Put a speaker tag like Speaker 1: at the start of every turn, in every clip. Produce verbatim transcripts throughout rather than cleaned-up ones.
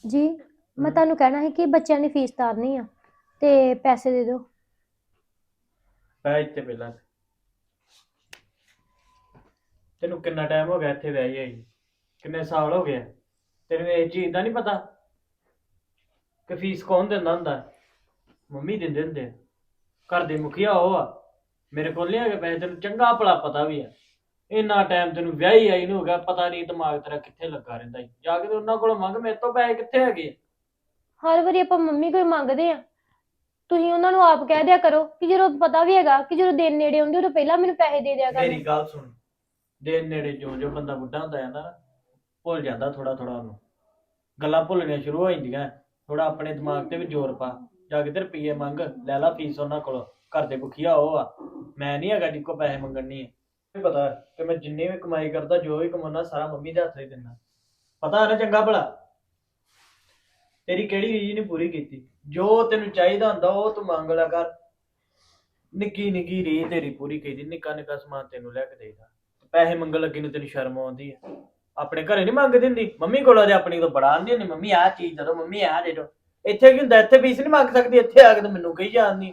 Speaker 1: जी मैं ਤੁਹਾਨੂੰ ਕਹਿਣਾ ਹੈ ਕਿ ਬੱਚਿਆਂ ਦੀ ਫੀਸ ਤਾਰਨੀ ਆ ਤੇ ਪੈਸੇ ਦੇ ਦਿਓ।
Speaker 2: ਪੈ ਇੱਥੇ ਪਹਿਲਾਂ ਤੈਨੂੰ ਕਿੰਨਾ ਟਾਈਮ ਹੋ ਗਿਆ ਇੱਥੇ ਵਿਆਹੀ ਆਈ ਕਿੰਨੇ ਸਾਲ ਹੋ ਗਏ ਤੈਨੂੰ ਇਹ ਚੀਜ਼ ਦਾ ਨਹੀਂ ਪਤਾ ਕਿ ਫੀਸ ਕੌਣ ਦਿੰਦਾ ਹੁੰਦਾ ਮੰਮੀ ਦਿੰਦੇ ਹੁੰਦੇ ਆ। ਘਰ ਦੇ ਮੁਖੀਆ ਉਹ ਆ ਮੇਰੇ ਕੋਲ ਨਹੀਂ ਹੈਗੇ ਪੈਸੇ ਤੈਨੂੰ ਚੰਗਾ ਭਲਾ ਪਤਾ ਵੀ ਆ। ਇੰਨਾ ਟਾਈਮ ਤੈਨੂੰ ਵਿਆਹੀ ਆਈ ਨੂੰ ਹੋ ਗਿਆ ਪਤਾ ਨਹੀਂ ਦਿਮਾਗ ਤੇਰਾ ਕਿੱਥੇ ਲੱਗਾ ਰਹਿੰਦਾ ਈ। ਜਾ ਕੇ ਤੇ ਉਹਨਾਂ ਕੋਲੋਂ ਮੰਗ ਮੇਰੇ ਤੋਂ ਪੈਸੇ ਕਿੱਥੇ ਹੈਗੇ ਆ।
Speaker 1: ਹਰ ਵਾਰੀ ਆਪਾਂ ਮੰਮੀ ਕੋਲ ਮੰਗਦੇ ਆ ਤੁਸੀਂ ਉਹਨਾਂ ਨੂੰ ਆਪ ਕਹਿ ਦਿਆ ਕਰੋ ਕਿ ਜਦੋਂ ਪਤਾ ਵੀ ਹੈਗਾ ਕਿ ਜਦੋਂ ਦਿਨ ਨੇੜੇ ਆਉਂਦੇ ਉਦੋਂ ਪਹਿਲਾਂ ਮੈਨੂੰ ਪੈਸੇ ਦੇ ਦਿਆ ਕਰੋ।
Speaker 2: ਮੇਰੀ ਗੱਲ ਸੁਣ ਦਿਨ ਨੇੜੇ ਜੋ ਜੋ ਬੰਦਾ ਬੁੱਢਾ ਹੁੰਦਾ ਜਾਂਦਾ ਨਾ ਭੁੱਲ ਜਾਂਦਾ ਥੋੜਾ ਥੋੜਾ ਉਹਨੂੰ ਗੱਲਾਂ ਭੁੱਲਣੀਆਂ ਸ਼ੁਰੂ ਹੋ ਜਾਂਦੀਆਂ। ਥੋੜਾ ਆਪਣੇ ਦਿਮਾਗ ਤੇ ਵੀ ਜ਼ੋਰ ਪਾ ਜਾ ਕੇ ਤੇ ਰੁਪਈਏ ਮੰਗ ਲੈ ਲਾ ਫੀਸ ਉਹਨਾਂ ਕੋਲੋਂ। ਘਰ ਦੇ ਮੁਖੀਆ ਉਹ ਆ ਮੈਂ ਨਹੀਂ ਹੈਗਾ ਜਿੱਕੋ ਪੈਸੇ ਮੰਗਣੀ ਹੈ। ਪਤਾ ਕਿ ਮੈਂ ਜਿੰਨੀ ਵੀ ਕਮਾਈ ਕਰਦਾ ਜੋ ਵੀ ਕਮਾਉਣਾ ਸਾਰਾ ਮੰਮੀ ਦੇ ਹੱਥ ਹੀ ਦਿੰਦਾ। ਪਤਾ ਹੈ ਨਾ ਚੰਗਾ ਭਲਾ ਤੇਰੀ ਕਿਹੜੀ ਰੀਝ ਨਹੀਂ ਪੂਰੀ ਕੀਤੀ। ਜੋ ਤੈਨੂੰ ਚਾਹੀਦਾ ਹੁੰਦਾ ਉਹ ਤੂੰ ਮੰਗ ਲਿਆ ਕਰ। ਨਿੱਕੀ ਨਿੱਕੀ ਰੀਝ ਤੇਰੀ ਪੂਰੀ ਕੀਤੀ। ਨਿੱਕਾ ਨਿੱਕਾ ਸਮਾਨ ਤੈਨੂੰ ਲੈ ਕੇ ਦੇਈਦਾ। ਪੈਸੇ ਮੰਗਣ ਲੱਗੀ ਨੂੰ ਤੈਨੂੰ ਸ਼ਰਮ ਆਉਂਦੀ ਹੈ। ਆਪਣੇ ਘਰੇ ਨਹੀਂ ਮੰਗਦੀ ਹੁੰਦੀ ਮੰਮੀ ਕੋਲੋਂ ਤੇ ਆਪਣੀ ਤੋਂ ਬੜਾ ਆਉਂਦੀ ਹੁੰਦੀ ਮੰਮੀ ਆਹ ਚੀਜ਼ ਦੇ ਦਿਓ ਮੰਮੀ ਆਹ ਦੇ ਦਿਓ। ਇੱਥੇ ਕੀ ਹੁੰਦਾ ਇੱਥੇ ਫੀਸ ਨਹੀਂ ਮੰਗ ਸਕਦੀ ਇੱਥੇ ਆ ਕੇ ਤਾਂ ਮੈਨੂੰ ਕਹੀ ਜਾਂਦੀ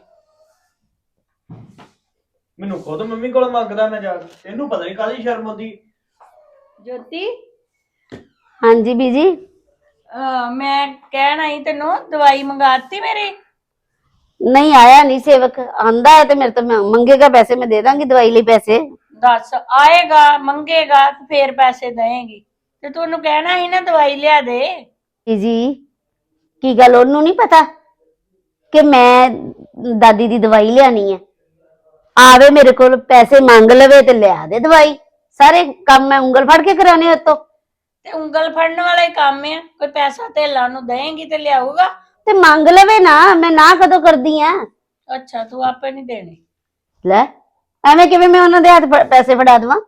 Speaker 2: ਮੈਨੂੰ ਖੁਦ ਮੰਮੀ ਕੋਲੋਂ ਮੰਗਦਾ ਮੈਂ ਜਾ ਕੇ। ਤੈਨੂੰ ਪਤਾ ਨਹੀਂ ਕਾਹਦੀ ਸ਼ਰਮ ਆਉਂਦੀ।
Speaker 3: ਜੋਤੀ
Speaker 4: हाँ जी बीजी
Speaker 3: ਅਹ ਮੈਂ ਕਹਿਣ ਆਈ ਤੈਨੂੰ ਦਵਾਈ ਮੰਗਾਤੀ ਮੇਰੀ।
Speaker 4: नहीं आया नहीं सेवक आंदा है तो मेरे तो मैं मंगेगा पैसे मैं दे दांगी दवाई लिए पैसे।
Speaker 3: ਦੱਸ ਆਏਗਾ ਮੰਗੇਗਾ ਤੇ ਫੇਰ ਪੈਸੇ ਦੇਏਗੀ ਤੇ ਤੂੰ ਉਹਨੂੰ ਕਹਿਣਾ ਸੀ ਨਾ ਦਵਾਈ ਲਿਆ ਦੇ।
Speaker 4: बीजी की गल ओनू नहीं पता कि मैं दादी दी दवाई लियानी है आवे मेरे को पैसे मांग लवे ते लिया दे दवाई। सारे काम मैं उंगल फड़ के कराने उतो
Speaker 3: ਤੇ ਉਂਗਲ ਫੜਨ वाला ही काम है कोई पैसा ਧੇਲਾ ਉਹਨੂੰ ਦੇਏਗੀ ਤੇ ਲਿਆਊਗਾ।
Speaker 4: ते मांग लवे ना मैं ना कदों करदी हां।
Speaker 3: ਅੱਛਾ ਤੂੰ ਆਪੇ ਨਹੀਂ ਦੇਣੇ।
Speaker 4: ले एवें किवें मैं उन्हां दे हाथ पैसे फड़ा देवां।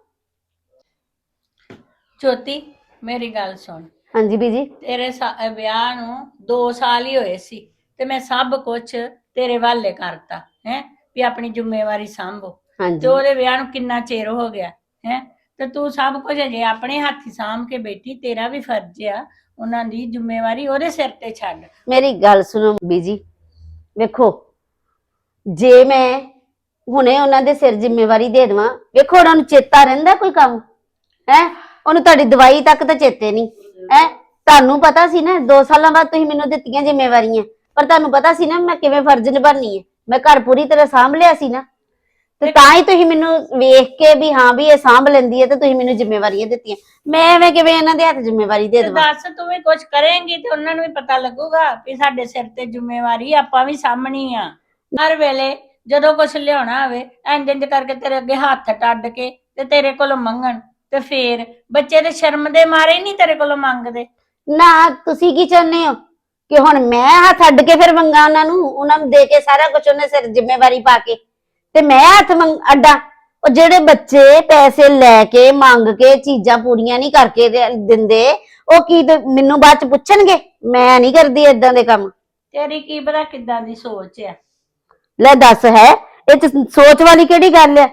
Speaker 3: ਜੋਤੀ ਮੇਰੀ ਗੱਲ ਸੁਣ
Speaker 4: हां जी बीजी
Speaker 3: ਤੇਰੇ ਸਾ- ਵਿਆਹ ਨੂੰ ਦੋ ਸਾਲ ਹੀ ਹੋਏ ਸੀ ਤੇ ਮੈਂ ਸਭ ਕੁਝ ਤੇਰੇ ਹਵਾਲੇ ਕਰਤਾ ਹੈ ਵੀ ਆਪਣੀ ਜ਼ਿੰਮੇਵਾਰੀ ਸੰਭੋ।
Speaker 4: हां
Speaker 3: ਤੇ
Speaker 4: जी
Speaker 3: ਉਹਦੇ ਵਿਆਹ ਨੂੰ ਕਿੰਨਾ ਚਿਰ ਹੋ ਗਿਆ ਹੈ ਤੇ ਤੂੰ ਸਭ ਕੁਝ ਅਜੇ ਆਪਣੇ ਹੱਥੀ ਸਾਂਭ ਕੇ ਬੈਠੀ। ਤੇਰਾ ਵੀ ਫਰਜ਼ ਆ ਉਹਨਾਂ ਦੀ ਜ਼ਿੰਮੇਵਾਰੀ ਉਹਦੇ ਸਿਰ ਤੇ ਛੱਡ।
Speaker 4: मेरी गल सुनो बीजी वेखो जे मैं ਹੁਣੇ ਉਹਨਾਂ ਦੇ ਸਿਰ ਜ਼ਿੰਮੇਵਾਰੀ ਦੇ ਦੇਵਾਂ ਵੇਖੋ ਉਹਨਾਂ ਨੂੰ ਚੇਤਾ ਰਹਿੰਦਾ ਕੋਈ ਕੰਮ ਹੈ ਉਹਨੂੰ ਤੁਹਾਡੀ ਦਵਾਈ ਤੱਕ ਤਾਂ ਚੇਤੇ ਨਹੀਂ ਹੈ। ਤੁਹਾਨੂੰ ਪਤਾ ਸੀ ਨਾ ਦੋ ਸਾਲਾਂ ਬਾਅਦ ਤੁਸੀਂ ਮੈਨੂੰ ਦਿੱਤੀਆਂ ਜ਼ਿੰਮੇਵਾਰੀਆਂ ਪਰ ਤੁਹਾਨੂੰ ਪਤਾ ਸੀ ਨਾ ਮੈਂ ਕਿਵੇਂ ਫਰਜ਼ ਨਿਭਾਉਣੀ ਹੈ। ਮੈਂ ਘਰ ਪੂਰੀ ਤਰ੍ਹਾਂ ਸਾਂਭ ਲਿਆ ਸੀ ਨਾ ਤੇ ਤਾਂ ਹੀ ਤੁਸੀਂ ਮੈਨੂੰ ਵੇਖ ਕੇ ਵੀ ਹਾਂ ਵੀ ਇਹ ਸਾਂਭ ਲੈਂਦੀ ਹੈ ਤੇ ਤੁਸੀਂ ਮੈਨੂੰ ਜ਼ਿੰਮੇਵਾਰੀਆਂ ਦਿੱਤੀਆਂ। ਮੈਂ ਐਵੇਂ ਕਿਵੇਂ ਇਹਨਾਂ ਦੇ ਹੱਥ ਜ਼ਿੰਮੇਵਾਰੀ ਦੇ
Speaker 3: ਤੇ
Speaker 4: ਦੇਵਾਂ।
Speaker 3: ਦੱਸ ਤੂੰ ਵੀ ਕੁਝ ਕਰੇਂਗੀ ਤੇ ਉਹਨਾਂ ਨੂੰ ਵੀ ਪਤਾ ਲੱਗੂਗਾ ਵੀ ਸਾਡੇ ਸਿਰ ਤੇ ਜ਼ਿੰਮੇਵਾਰੀ ਆਪਾਂ ਵੀ ਸਾਂਭਣੀ ਆ। ਹਰ ਵੇਲੇ ਜਦੋਂ ਕੁਝ ਲਿਆਉਣਾ ਹੋਵੇ ਇੰਜ ਇੰਜ ਕਰਕੇ ਤੇਰੇ ਅੱਗੇ ਹੱਥ ਟੱਡ ਕੇ ਤੇ ਤੇਰੇ ਕੋਲੋਂ ਮੰਗਣ ਤੇ ਫੇਰ ਬੱਚੇ ਦੇ ਸ਼ਰਮ ਦੇ ਮਾਰੇ ਨਹੀਂ ਤੇਰੇ ਕੋਲੋਂ ਮੰਗਦੇ।
Speaker 4: ਨਾ ਤੁਸੀਂ ਕੀ ਚਾਹੁੰਦੇ ਹੋ ਕਿ ਹੁਣ ਮੈਂ ਹੱਥ ਅੱਡ ਕੇ ਫਿਰ ਮੰਗਾ ਉਹਨਾਂ ਨੂੰ ਉਹਨਾਂ ਨੂੰ ਦੇ ਕੇ ਸਾਰਾ ਕੁਝ ਉਹਨੇ ਸਿਰ ਜ਼ਿੰਮੇਵਾਰੀ ਪਾ ਕੇ ਤੇ ਮੈਂ ਹੱਥ ਅੱਡਾ। ਉਹ ਜਿਹੜੇ ਬੱਚੇ ਪੈਸੇ ਲੈ ਕੇ ਮੰਗ ਕੇ ਚੀਜ਼ਾਂ ਪੂਰੀਆਂ ਨਹੀਂ ਕਰਕੇ ਦਿੰਦੇ ਉਹ ਕੀ ਮੈਨੂੰ ਬਾਅਦ ਚ ਪੁੱਛਣਗੇ। ਮੈਂ ਨਹੀਂ ਕਰਦੀ ਏਦਾਂ ਦੇ ਕੰਮ।
Speaker 3: ਤੇਰੀ ਕੀ ਪਤਾ ਕਿੱਦਾਂ ਦੀ ਸੋਚ ਆ।
Speaker 4: ਲੈ ਦੱਸ ਹੈ ਇਹ ਚ ਸੋਚ ਵਾਲੀ ਕਿਹੜੀ ਗੱਲ ਹੈ।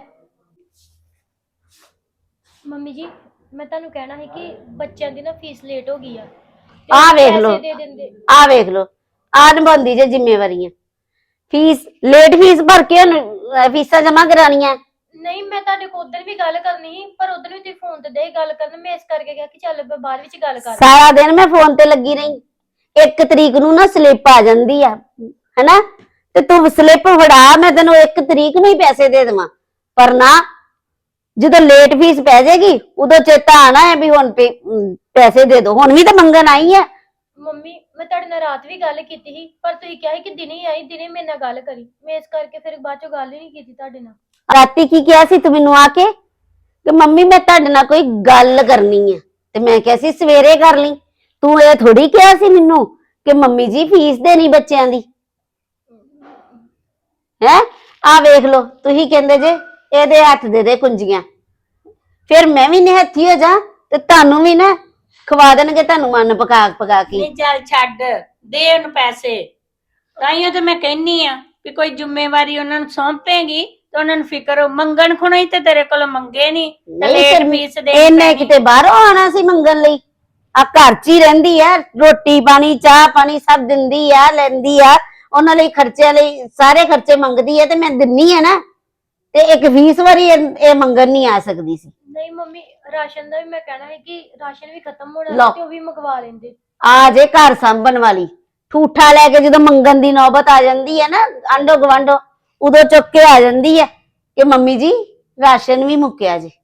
Speaker 1: ਮੰਮੀ ਜੀ ਮੈਂ ਤੁਹਾਨੂੰ ਕਹਿਣਾ ਹੈ ਕਿ ਬੱਚਿਆਂ ਦੀ ਨਾ ਫੀਸ ਲੇਟ ਹੋ ਗਈ ਆ
Speaker 4: ਆ ਵੇਖ
Speaker 1: ਪੈਸੇ
Speaker 4: ਲੋ
Speaker 1: ਦੇ ਦਿੰਦੇ।
Speaker 4: ਆ ਵੇਖ ਲੋ ਆ ਨਿਭਾਉਂਦੀ ਜੇ ਜ਼ਿੰਮੇਵਾਰੀਆਂ। ਫੀਸ ਲੇਟ ਫੀਸ ਭਰ ਕੇ ਉਹਨੂੰ ਫੀਸਾਂ ਜਮਾ ਕਰਾਣੀਆਂ।
Speaker 1: ਨਹੀਂ ਮੈਂ ਤੁਹਾਡੇ ਕੋਲ ਉਦੋਂ ਵੀ ਗੱਲ ਕਰਨੀ ਸੀ ਪਰ ਉਦੋਂ ਵੀ ਤੁਸੀਂ ਫੋਨ ਤੇ ਦੇ ਗੱਲ ਕਰਨ ਮੈਂ ਇਸ ਕਰਕੇ ਕਿਹਾ ਕਿ ਚੱਲ ਮੈਂ ਬਾਅਦ ਵਿੱਚ ਗੱਲ ਕਰ।
Speaker 4: ਸਾਰਾ ਦਿਨ ਮੈਂ ਫੋਨ ਤੇ ਲੱਗੀ ਰਹੀ। ਇੱਕ ਤਰੀਕ ਨੂੰ ਨਾ ਸਲਿੱਪ ਆ ਜਾਂਦੀ ਆ ਹੈਨਾ ਤੇ ਤੂੰ ਸਲਿੱਪ ਫੜਾ ਮੈਂ ਤੈਨੂੰ ਇੱਕ ਤਰੀਕ ਨੂੰ ਹੀ ਪੈਸੇ ਦੇ ਦੇਵਾਂ ਪਰ ਨਾ ਜਦੋਂ ਲੇਟ ਫੀਸ ਪੈ ਜਾਏਗੀ ਉਦੋਂ ਚੇਤਾ ਆਣਾ ਹੈ ਵੀ ਹੁਣ ਪੈਸੇ ਦੇ ਦੋ। ਹੁਣ ਵੀ ਤਾਂ ਮੰਗਣ ਆਈ ਆ।
Speaker 1: ਮੰਮੀ ਮੈਂ ਤੁਹਾਡੇ ਨਾਲ ਰਾਤ ਵੀ ਗੱਲ ਕੀਤੀ ਸੀ ਪਰ ਤੁਸੀਂ ਕਿਹਾ ਸੀ ਕਿ ਦਿਨੇ ਹੀ ਆਈ ਦਿਨੇ ਮੇਰੇ ਨਾਲ ਗੱਲ ਕਰੀ। ਮੈਂ ਇਸ ਕਰਕੇ ਫਿਰ ਬਾਅਦ ਚੋਂ ਗੱਲ ਹੀ ਨਹੀਂ ਕੀਤੀ ਤੁਹਾਡੇ ਨਾਲ।
Speaker 4: ਰਾਤੀ ਕੀ ਕਿਹਾ ਸੀ ਤੂੰ ਮੈਨੂੰ ਆ ਕੇ ਕਿ ਮੰਮੀ ਮੈਂ ਤੁਹਾਡੇ ਨਾਲ ਕੋਈ ਗੱਲ ਕਰਨੀ ਹੈ ਤੇ ਮੈਂ ਕਿਹਾ ਸੀ ਸਵੇਰੇ ਕਰ ਲਈ। ਤੂੰ ਇਹ ਥੋੜੀ ਕਿਹਾ ਸੀ ਮੈਨੂੰ ਕਿ ਮੰਮੀ ਜੀ ਫੀਸ ਦੇਣੀ ਬੱਚਿਆਂ ਦੀ ਹੈ। ਆ ਵੇਖ ਲੋ ਤੁਸੀਂ ਕਹਿੰਦੇ ਜੇ ਇਹਦੇ ਹੱਥ ਦੇ ਦੇ ਕੁੰਜੀਆਂ ਫਿਰ ਮੈਂ ਵੀ ਨਿਹੱਥੀ ਹੋ ਜਾ ਤੇ ਤੁਹਾਨੂੰ ਵੀ ਨਾ ਖਵਾ ਦੇਣਗੇ ਤੁਹਾਨੂੰ ਮਨ ਪਕਾ ਪਕਾ ਕੇ।
Speaker 3: ਨਹੀਂ ਚੱਲ ਛੱਡ ਦੇ ਉਹਨੂੰ ਪੈਸੇ। ਤਾਈਓ ਤੇ ਮੈਂ ਕਹਿੰਨੀ ਆ ਵੀ ਕੋਈ ਜ਼ਿੰਮੇਵਾਰੀ ਉਹਨਾਂ ਨੂੰ ਸੌਂਪੇਗੀ ਤੇ ਉਹਨਾਂ ਨੂੰ ਫਿਕਰ ਹੋ ਮੰਗਣ ਖੁਣੋ ਹੀ ਤੇ ਤੇਰੇ ਕੋਲੋਂ ਮੰਗੇ ਨਹੀਂ ਤੇ ਲੇਟ ਫੀਸ ਦੇ
Speaker 4: ਇਹਨੇ ਕਿਤੇ ਬਾਹਰੋਂ ਆਣਾ ਸੀ ਮੰਗਣ ਲਈ ਆ ਘਰ 'ਚ ਹੀ ਰਹਿੰਦੀ ਆ, ਰੋਟੀ ਪਾਣੀ ਚਾਹ ਪਾਣੀ ਸਭ ਦਿੰਦੀ ਆ, ਲੈਂਦੀ ਆ, ਉਹਨਾਂ ਲਈ ਖਰਚਿਆਂ ਲਈ ਸਾਰੇ ਖਰਚੇ ਮੰਗਦੀ ਆ ਤੇ ਮੈਂ ਦਿੰਨੀ ਆ ਨਾ, ਤੇ ਇੱਕ ਵੀਸ ਵਾਰੀ ਇਹ ਇਹ ਮੰਗਣ ਨਹੀਂ ਆ ਸਕਦੀ ਸੀ।
Speaker 1: ਨਹੀਂ ਮੰਮੀ, ਰਾਸ਼ਨ ਦਾ ਵੀ ਮੈਂ ਕਹਿਣਾ ਹੈ ਕਿ ਰਾਸ਼ਨ ਵੀ ਖਤਮ ਹੋਣਾ
Speaker 4: ਲਓ।
Speaker 1: ਸੀ ਤੇ ਉਹ ਵੀ ਮੰਗਵਾ ਲੈਂਦੇ।
Speaker 4: ਆ ਜੇ ਘਰ ਸੰਭਣ ਵਾਲੀ ਠੂਠਾ ਲੈ ਕੇ ਜਦੋਂ ਮੰਗਣ ਦੀ ਨੌਬਤ ਆ ਜਾਂਦੀ ਹੈ ਨਾ ਆਂਡੋ ਗਵਾਂਡੋ, ਉਦੋਂ ਚੁੱਕ ਕੇ ਆ ਜਾਂਦੀ ਹੈ ਕਿ ਮੰਮੀ ਜੀ ਰਾਸ਼ਨ ਵੀ ਮੁੱਕਿਆ ਜੀ।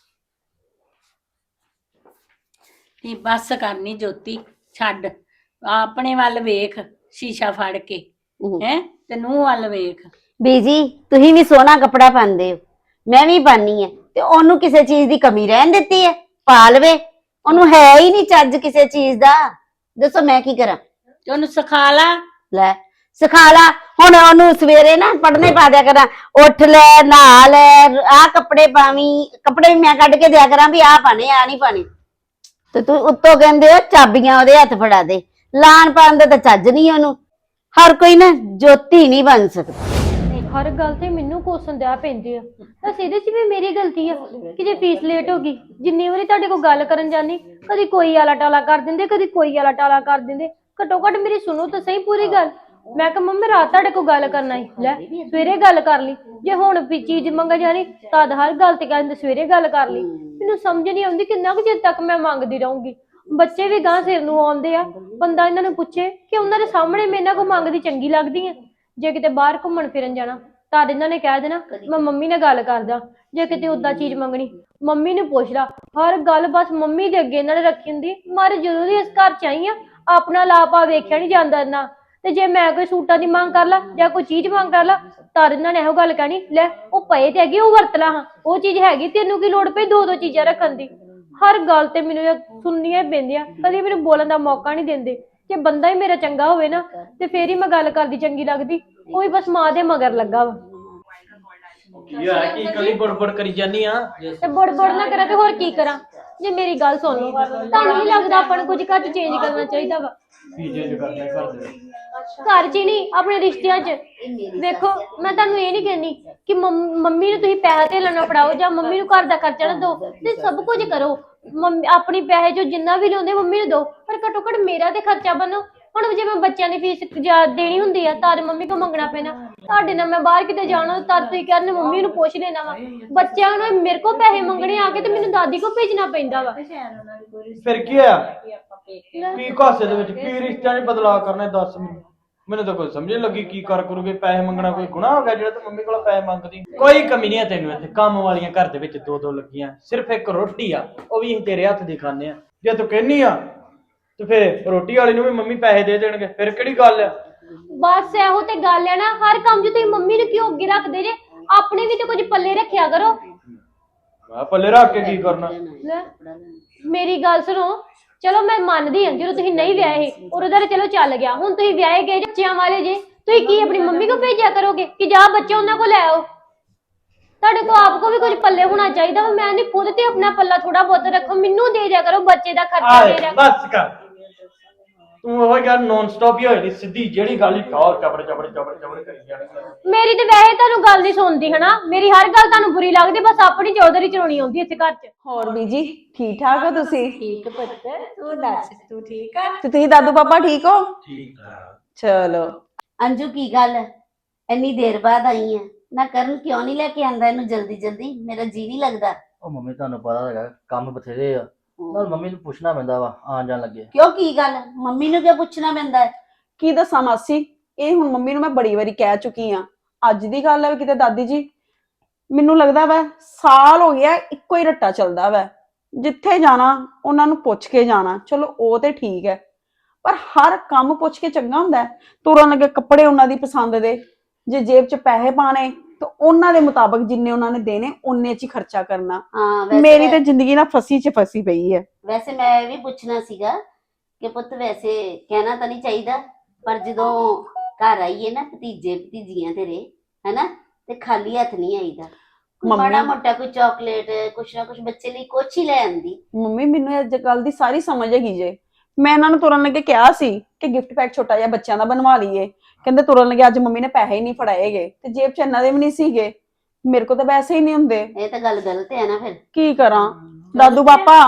Speaker 3: ਨੀ ਬਸ ਕਰਨੀ ਜੋਤੀ, ਛੱਡ ਆਪਣੇ ਵੱਲ ਵੇਖ, ਸ਼ੀਸ਼ਾ ਫੜ ਕੇ ਹੈ ਤੇ ਨੂੰਹ ਵੱਲ ਵੇਖ।
Speaker 4: ਬੀਜੀ ਤੁਸੀਂ ਵੀ ਸੋਹਣਾ ਕੱਪੜਾ ਪਾਉਂਦੇ ਹੋ, ਮੈਂ ਵੀ ਪਾਨੀ ਹੈ, ਤੇ ਉਹਨੂੰ ਕਿਸੇ ਚੀਜ਼ ਦੀ ਕਮੀ ਰਹਿਣ ਦਿੱਤੀ ਹੈ? ਪਾ ਲਵੇ, ਉਹਨੂੰ ਹੈ ਹੀ ਨਹੀਂ ਚੱਜ ਕਿਸੇ ਚੀਜ਼ ਦਾ। ਦੱਸੋ ਮੈਂ ਕੀ ਕਰਾਂ?
Speaker 3: ਤੇ ਉਹਨੂੰ ਸਿਖਾ ਲਾ।
Speaker 4: ਲੈ ਸਿਖਾ ਲਾ, ਹੁਣ ਉਹਨੂੰ ਸਵੇਰੇ ਨਾ ਪੜ੍ਹਨੇ ਪਾ ਦਿਆ ਕਰਾਂ, ਉੱਠ ਲੈ ਨਹਾ ਲੈ ਆਹ ਕੱਪੜੇ ਪਾਵੀਂ, ਕੱਪੜੇ ਵੀ ਮੈਂ ਕੱਢ ਕੇ ਦਿਆ ਕਰਾਂ ਵੀ ਆਹ ਪਾਣੇ ਆ ਨਹੀਂ ਪਾਣੇ, ਤੇ ਤੂੰ ਉੱਤੋਂ ਕਹਿੰਦੇ ਹੋ ਚਾਬੀਆਂ ਉਹਦੇ ਹੱਥ ਫੜਾ ਦੇ। ਲਾਣ ਪਾਣ ਦਾ ਤਾਂ ਚੱਜ ਨਹੀਂ ਉਹਨੂੰ। ਹਰ ਕੋਈ ਨਾ ਜੋਤੀ ਨਹੀਂ ਬਣ ਸਕਦਾ।
Speaker 1: ਹਰ ਗੱਲ ਤੇ ਮੈਨੂੰ ਕੋਸਣ ਦਿਆ ਪੈਂਦੇ ਆ, ਤਾਂ ਇਹਦੇ 'ਚ ਵੀ ਮੇਰੀ ਗਲਤੀ ਆ ਕਿ ਜੇ ਫੀਸ ਲੇਟ ਹੋ ਗਈ, ਜਿੰਨੀ ਵਾਰੀ ਤੁਹਾਡੇ ਕੋਲ ਗੱਲ ਕਰਨ ਜਾਨੀ ਕਦੀ ਕੋਈ ਆਲਾ ਟਾਲਾ ਕਰ ਦਿੰਦੇ, ਕਦੀ ਕੋਈ ਆਲਾ ਟਾਲਾ ਕਰ ਦਿੰਦੇ। ਘੱਟੋ ਘੱਟ ਮੇਰੀ ਸੁਣੋ ਤਾਂ ਸਹੀ ਪੂਰੀ ਗੱਲ। ਮੈਂ ਕਿਹਾ ਮੰਮੀ ਰਾਤ ਤੁਹਾਡੇ ਕੋਲ ਗੱਲ ਕਰਨਾ ਹੀ, ਲੈ ਸਵੇਰੇ ਗੱਲ ਕਰ ਲਈ। ਜੇ ਹੁਣ ਵੀ ਚੀਜ਼ ਮੰਗ ਜਾਣੀ ਤਦ ਹਰ ਗੱਲ ਤੇ ਕਹਿੰਦੇ ਸਵੇਰੇ ਗੱਲ ਕਰ ਲਈ। ਮੈਨੂੰ ਸਮਝ ਨਹੀਂ ਆਉਂਦੀ ਕਿੰਨਾ ਕੁ ਚਿਰ ਤੱਕ ਮੈਂ ਮੰਗਦੀ ਰਹੂੰਗੀ। ਬੱਚੇ ਵੀ ਗਾਂ ਸਿਰ ਨੂੰ ਆਉਂਦੇ ਆ, ਬੰਦਾ ਇਹਨਾਂ ਨੂੰ ਪੁੱਛੇ ਕਿ ਉਹਨਾਂ ਦੇ ਸਾਹਮਣੇ ਮੈਂ ਇਹਨਾਂ ਕੋਲ ਮੰਗਦੀ ਚੰਗੀ ਲੱਗਦੀ ਆ। ਜੇ ਕਿਤੇ ਬਾਹਰ ਘੁੰਮਣ ਫਿਰਨ ਜਾਣਾ ਤਾਂ ਇਹਨਾਂ ਨੇ ਕਹਿ ਦੇਣਾ ਮੈਂ ਮੰਮੀ ਨਾਲ ਗੱਲ ਕਰਦਾ। ਜੇ ਕਿਤੇ ਓਦਾਂ ਚੀਜ਼ ਮੰਗਣੀ ਮੰਮੀ ਨੂੰ ਪੁੱਛ ਲਾ। ਹਰ ਗੱਲ ਬਸ ਮੰਮੀ ਦੇ ਅੱਗੇ ਇਹਨਾਂ ਨੇ ਰੱਖੀ ਹੁੰਦੀ। ਮਾਰੇ ਜਦੋਂ ਦੀ ਇਸ ਘਰ ਚ ਆਈ ਆ ਆਪਣਾ ਲਾਪਾ ਵੇਖਿਆ ਨਹੀਂ ਜਾਂਦਾ ਇਹਨਾਂ। ਤੇ ਜੇ ਮੈਂ ਕੋਈ ਸੂਟਾਂ ਦੀ ਮੰਗ ਕਰ ਲਾ ਜਾਂ ਕੋਈ ਚੀਜ਼ ਮੰਗ ਕਰ ਲਾ ਤਾਂ ਇਹਨਾਂ ਨੇ ਇਹੋ ਗੱਲ ਕਹਿਣੀ, ਲੈ ਉਹ ਪਏ ਤੇ ਹੈਗੇ ਉਹ ਵਰਤ ਲਾ, ਹਾਂ ਉਹ ਚੀਜ਼ ਹੈਗੀ ਤੈਨੂੰ ਕੀ ਲੋੜ ਪਈ ਦੋ ਦੋ ਚੀਜ਼ਾਂ ਰੱਖਣ ਦੀ। ਹਰ ਗੱਲ ਤੇ ਮੈਨੂੰ ਇਹ ਸੁਣਨੀਆਂ ਹੀ ਪੈਂਦੀਆਂ, ਕਦੀ ਮੈਨੂੰ ਬੋਲਣ ਦਾ ਮੌਕਾ ਨਹੀਂ ਦਿੰਦੇ। ਜੇ ਬੰਦਾ ਹੀ ਮੇਰਾ ਚੰਗਾ ਹੋਵੇ ਨਾ ਤੇ ਫੇਰ ਹੀ ਮੈਂ ਗੱਲ ਕਰਦੀ ਚੰਗੀ ਲੱਗਦੀ। ਉਹ ਵੀ ਬਸ ਮਾਂ ਦੇ ਮਗਰ ਲੱਗਾ ਵਾ।
Speaker 2: ਕੀ ਆ ਕੀ ਕਲੀ ਬੜਬੜ ਕਰੀ ਜਾਨੀ ਆ?
Speaker 1: ਤੇ ਬੜ ਬੜ ਨਾ ਕਰਾਂ ਤੇ ਹੋਰ ਕੀ ਕਰਾਂ? ਜੇ ਮੇਰੀ ਗੱਲ ਸੁਣ ਲਓ, ਤੁਹਾਨੂੰ ਨਹੀਂ ਲੱਗਦਾ ਆਪਾਂ ਨੂੰ ਕੁਝ ਘਰ ਚ ਚੇਂਜ ਕਰਨਾ ਚਾਹੀਦਾ ਵਾ?
Speaker 2: ਕੀ ਚੇਂਜ ਕਰਨਾ ਘਰ ਦੇ?
Speaker 1: ਘਰ ਚ ਹੀ ਨਹੀਂ ਆਪਣੇ ਰਿਸ਼ਤਿਆਂ ਚ। ਵੇਖੋ ਮੈਂ ਤੁਹਾਨੂੰ ਇਹ ਨਹੀਂ ਕਹਿੰਦੀ ਕਿ ਮੰਮੀ ਨੂੰ ਤੁਸੀਂ ਪੈਸਾ ਤੇ ਲੈਣਾ ਫੜਾਓ ਜਾਂ ਮੰਮੀ ਨੂੰ ਘਰ ਦਾ ਖਰਚਾ ਨਾ ਦਿਓ, ਤੇ ਸਭ ਕੁਝ ਕਰੋ। ਮੰਮੀ ਆਪਣੀ ਪੈਸੇ ਜੋ ਜਿੰਨਾ ਵੀ ਲਿਆਉਂਦੇ ਮੰਮੀ ਨੂੰ ਦਿਓ, ਪਰ ਘੱਟੋ ਘੱਟ ਮੇਰਾ ਤੇ ਖਰਚਾ ਬਣੋ। ਹੁਣ ਜੇ ਮੈਂ ਬੱਚਿਆਂ ਦੀ ਫੀਸ ਦੇਣੀ ਹੁੰਦੀ ਆ ਤਾਂ ਮੰਮੀ ਕੋ ਮੰਗਣਾ ਪੈਣਾ। ਤੁਹਾਡੇ ਨਾਲ ਮੈਂ ਬਾਹਰ ਕਿਤੇ ਜਾਣਾ ਤਾਂ ਤੁਸੀਂ ਕਹਿੰਦੇ ਮੰਮੀ ਨੂੰ ਪੁੱਛ ਲੈਣਾ ਵਾ। ਬੱਚਿਆਂ ਨੂੰ ਮੇਰੇ ਕੋਲ ਪੈਸੇ ਮੰਗਣੇ ਆ ਕੇ ਤੇ ਮੈਨੂੰ ਦਾਦੀ ਕੋ ਭੇਜਣਾ ਪੈਂਦਾ ਵਾ।
Speaker 2: ਫਿਰ ਕੀ ਹੋਇਆ? ਕੀ ਕਾਸੇ ਦੇ ਵਿੱਚ ਕੀ ਰਿਸ਼ਤਿਆਂ 'ਚ ਬਦਲਾਅ ਕਰਨਾ? ਦੱਸ ਮੈਨੂੰ। ਮੈਨੂੰ ਤਾਂ ਕੋਈ ਸਮਝ ਨਹੀਂ ਲੱਗੀ ਕੀ ਕਰ ਕਰੋਗੇ। ਪੈਸੇ ਮੰਗਣਾ ਕੋਈ ਗੁਨਾਹ ਹੋ ਗਿਆ ਜਿਹੜਾ ਤੂੰ ਮੰਮੀ ਕੋਲੋਂ ਪੈਸੇ ਮੰਗਦੀ? ਕੋਈ ਕਮੀ ਨਹੀਂ ਹੈ ਤੈਨੂੰ ਇੱਥੇ। ਕੰਮ ਵਾਲੀਆਂ ਘਰ ਦੇ ਵਿੱਚ ਦੋ ਦੋ ਲੱਗੀਆਂ, ਸਿਰਫ ਇੱਕ ਰੋਟੀ ਆ ਉਹ ਵੀ ਅਸੀਂ ਤੇਰੇ ਹੱਥ ਦੀ ਖਾਂਦੇ ਆ। ਜੇ ਤੂੰ ਕਹਿੰਨੀ ਆ ਤੇ ਫਿਰ ਰੋਟੀ ਵਾਲੀ ਨੂੰ ਵੀ ਮੰਮੀ ਪੈਸੇ ਦੇ ਦੇਣਗੇ, ਫਿਰ ਕਿਹੜੀ ਗੱਲ ਆ?
Speaker 1: ਬਸ ਇਹੋ ਤੇ ਗੱਲ ਹੈ ਨਾ, ਹਰ ਕੰਮ 'ਚ ਤੁਸੀਂ ਮੰਮੀ ਨੂੰ ਕਿਉਂ ਅੱਗੇ ਰੱਖਦੇ ਜੇ? ਆਪਣੇ ਵੀ ਤੇ ਕੁਝ ਪੱਲੇ ਰੱਖਿਆ ਕਰੋ।
Speaker 2: ਮੈਂ ਪੱਲੇ ਰੱਖ ਕੇ ਕੀ ਕਰਨਾ?
Speaker 1: ਮੇਰੀ ਗੱਲ ਸੁਣੋ, ਚਲੋ ਮੈਂ ਮੰਨਦੀ ਹਾਂ ਜਦੋਂ ਤੁਸੀਂ ਨਹੀਂ ਵਿਆਹੇ ਉਦੋਂ ਤਾਂ ਚਲੋ ਚੱਲ ਗਿਆ। ਹੁਣ ਤੁਸੀਂ ਵਿਆਹੇ ਗਏ ਬੱਚਿਆਂ ਵਾਲੇ ਜੇ, ਤੁਸੀਂ ਕੀ ਆਪਣੀ ਮੰਮੀ ਕੋ ਭੇਜਿਆ ਕਰੋਗੇ ਕਿ ਜਾ ਬੱਚੇ ਉਹਨਾਂ ਕੋ ਲੈ ਆਓ? ਤੁਹਾਡੇ ਕੋ ਆਪ ਕੋ ਵੀ ਕੁਝ ਪੱਲੇ ਹੋਣਾ ਚਾਹੀਦਾ। ਮੈਂ ਨਹੀਂ ਖੁਦ ਤੇ ਆਪਣਾ ਪੱਲਾ ਥੋੜਾ ਬਹੁਤ ਰੱਖੋ, ਮੈਨੂੰ ਦੇ ਦਿਆ ਕਰੋ ਬੱਚੇ ਦਾ ਖਰਚਾ ਦੇ ਦਿਆ।
Speaker 2: ਬਸ ਕਰ ਤੂੰ ਉਹ ਗੱਲ ਨੌਨ ਸਟਾਪ ਹੀ ਹੋਈ ਸਿੱਧੀ ਜਿਹੜੀ ਗੱਲ ਹੀ ਟੌਰ ਚਬੜ ਚਬੜ ਚਬੜ ਚਬੜ ਕਰੀ ਜਾਣੀ।
Speaker 1: ਮੇਰੀ ਤੇ ਵੈਸੇ ਤੁਹਾਨੂੰ ਗੱਲ ਨਹੀਂ ਸੁਣਦੀ ਹਨਾ, ਮੇਰੀ ਹਰ ਗੱਲ ਤੁਹਾਨੂੰ ਬੁਰੀ ਲੱਗਦੀ, ਬਸ ਆਪਣੀ ਚੌਧਰੀ ਚਲਾਉਣੀ ਆਉਂਦੀ ਇੱਥੇ ਘਰ 'ਚ।
Speaker 5: ਹੋਰ ਬੀਜੀ ਠੀਕ ਠਾਕ ਹੋ ਤੁਸੀਂ?
Speaker 3: ਠੀਕ ਪੁੱਤ, ਤੂੰ ਦੱਸ ਤੂੰ ਠੀਕ ਆ?
Speaker 5: ਤੇ ਤੁਸੀਂ ਦਾਦੂ ਪਾਪਾ ਠੀਕ ਹੋ?
Speaker 2: ਠੀਕ ਆ।
Speaker 5: ਚਲੋ
Speaker 4: ਅੰਜੂ ਕੀ ਗੱਲ ਇੰਨੀ ਦੇਰ ਬਾਅਦ ਆਈ ਹੈ ਨਾ? ਕਰਨ ਕਿਉਂ ਨਹੀਂ ਲੈ ਕੇ ਆਂਦਾ ਇਹਨੂੰ ਜਲਦੀ ਜਲਦੀ? ਮੇਰਾ ਜੀ ਨਹੀਂ ਲੱਗਦਾ।
Speaker 6: ਉਹ ਮੰਮੀ ਤੁਹਾਨੂੰ ਪਤਾ ਹੈਗਾ ਕੰਮ ਬਥੇਰੇ ਆ, ਨਾਲ ਮੰਮੀ ਨੂੰ ਪੁੱਛਣਾ ਪੈਂਦਾ ਵਾ ਆਣ ਜਾਣ ਲੱਗੇ।
Speaker 4: ਕਿਉਂ ਕੀ ਗੱਲ? ਮੰਮੀ ਨੂੰ ਕਿਉਂ ਪੁੱਛਣਾ ਪੈਂਦਾ ਹੈ?
Speaker 5: ਕੀ ਦੱਸਾਂ ਮਾਸੀ, ਇਹ ਹੁਣ ਮੰਮੀ ਨੂੰ ਮੈਂ ਬੜੀ ਵਾਰੀ ਕਹਿ ਚੁੱਕੀ ਆ। ਅੱਜ ਦੀ ਗੱਲ ਹੈ ਕਿਤੇ ਦਾਦੀ ਜੀ, ਮੈਨੂੰ ਲੱਗਦਾ ਵਾ ਸਾਲ ਹੋ ਗਿਆ ਇੱਕੋ ਹੀ ਰੱਟਾ ਚੱਲਦਾ ਵਾ। ਜਿੱਥੇ ਜਾਣਾ ਉਹਨਾਂ ਨੂੰ ਪੁੱਛ ਕੇ ਜਾਣਾ, ਚਲੋ ਉਹ ਤੇ ਠੀਕ ਹੈ, ਪਰ ਹਰ ਕੰਮ ਪੁੱਛ ਕੇ ਚੰਗਾ ਹੁੰਦਾ? ਤੁਰਨ ਲੱਗੇ ਕੱਪੜੇ ਉਹਨਾਂ ਦੀ ਪਸੰਦ ਦੇ, ਜੇ ਜੇਬ 'ਚ ਪੈਸੇ ਪਾਣੇ ਤਾਂ ਉਹਨਾਂ ਦੇ ਮੁਤਾਬਕ ਜਿੰਨੇ ਉਹਨਾਂ ਨੇ ਦੇਣੇ ਉਹਨੇ 'ਚ ਹੀ ਖਰਚਾ ਕਰਨਾ।
Speaker 4: ਹਾਂ
Speaker 5: ਮੇਰੀ ਤੇ ਜ਼ਿੰਦਗੀ ਨਾ ਫਸੀ 'ਚ ਫਸੀ ਪਈ ਹੈ।
Speaker 4: ਵੈਸੇ ਮੈਂ ਇਹ ਵੀ ਪੁੱਛਣਾ ਸੀਗਾ ਕਿ ਪੁੱਤ ਵੈਸੇ ਕਹਿਣਾ ਤਾਂ ਨਹੀਂ ਚਾਹੀਦਾ, ਪਰ ਜਦੋਂ ਘਰ ਆਈਏ ਨਾ ਭਤੀਜੇ ਭਤੀਜੀਆਂ ਤੇਰੇ ਹੈਨਾ, ਤੇ ਖਾਲੀ ਹੱਥ ਨਹੀਂ ਆਈਦਾ। ਕੋਈ
Speaker 5: ਮੰਮੀ-
Speaker 4: ਮਾੜਾ ਮੋਟਾ ਕੋਈ ਚਾਕਲੇਟ ਕੁਛ ਨਾ ਕੁਛ ਬੱਚੇ ਲਈ ਕੁਛ ਹੀ ਲੈ ਆਂਦੀ।
Speaker 5: ਮੰਮੀ ਮੈਨੂੰ ਇਹ ਗੱਲ ਦੀ ਸਾਰੀ ਸਮਝ ਹੈਗੀ ਜੇ। ਮੈਂ ਇਹਨਾਂ ਨੂੰ ਤੁਰਨ ਲੱਗੇ ਕਿਹਾ ਸੀ ਕਿ ਗਿਫਟ ਪੈਕ ਛੋਟਾ ਜਿਹਾ ਬੱਚਿਆਂ ਦਾ ਬਣਵਾ ਲਈਏ, ਕਹਿੰਦੇ ਤੁਰਨ ਲੱਗੇ ਅੱਜ ਮੰਮੀ ਨੇ ਪੈਸੇ ਹੀ ਨਹੀਂ ਫੜਾਏਗੇ, ਤੇ ਜੇਬ 'ਚ ਇਹਨਾਂ ਦੇ ਵੀ ਨਹੀਂ ਸੀਗੇ, ਮੇਰੇ ਕੋਲ ਤਾਂ ਵੈਸੇ ਹੀ ਨਹੀਂ ਹੁੰਦੇ।
Speaker 4: ਇਹ ਤਾਂ ਗੱਲ ਗਲਤ ਹੈ ਨਾ ਫਿਰ।
Speaker 5: ਕੀ ਕਰਾਂ ਦਾਦੂ ਪਾਪਾ,